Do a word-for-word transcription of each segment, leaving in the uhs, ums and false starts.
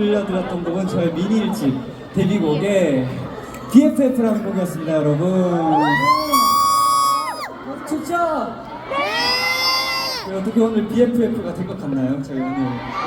들려드렸던 곡은 저의 미니 일집 데뷔곡의 비에프에프라는 곡이었습니다, 여러분. 좋죠? 네! 어떻게 오늘 비에프에프가 될 것 같나요? 저희 오늘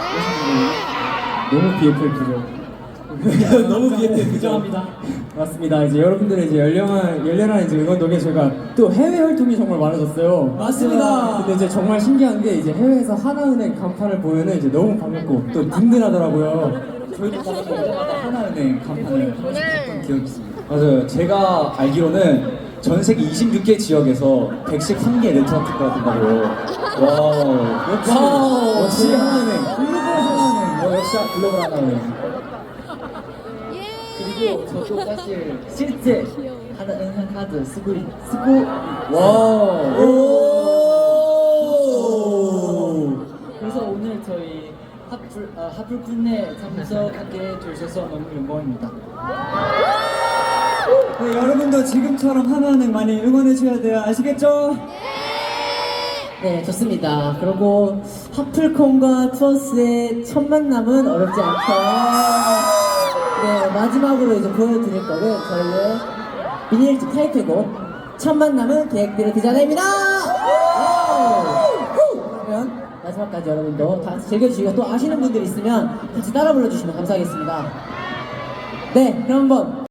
너무 비에프에프죠. 너무 비에프에프 부정합니다. 맞습니다. 이제 여러분들의 이제 열렬한 열렬한 이제 응원 덕에 저희가 또 해외 활동이 정말 많아졌어요. 맞습니다. 근데 이제 정말 신기한 게 이제 해외에서 하나은행 간판을 보면은 이제 너무 반갑고 또 든든하더라고요. 저희도 가서 오자마자 하나은행 간판을 하나씩 봤던 기억이 있습니다. 맞아요. 제가 알기로는 전 세계 이십육 개 지역에서 백십삼 개 네트워크가 된다고요. 와, 역시, 와우, 역시 네. 하나은행. 글로벌 하나은행. 어, 역시 글로벌 하나은행. 그리고 저도 사실 실제 하나은행 카드 쓰고 있- 쓰고 와. 오. 그래서 오늘 저희 하플 아, 하플 쿤에 참석하게 해주셔서 너무 영광입니다. 네, 여러분도 지금처럼 하나은행 많이 응원해줘야 돼요. 아시겠죠? 네, 좋습니다. 그리고 하플콘과 투어스의 첫 만남은 어렵지 않죠. 네, 마지막으로 이제 보여드릴 거는 저희의 미니일집 타이틀곡 첫 만남은 계획대로 되잖아입니다. 그러면 마지막까지 여러분도 다 같이 즐겨주시고 또 아시는 분들 있으면 같이 따라 불러주시면 감사하겠습니다. 네, 그럼 한번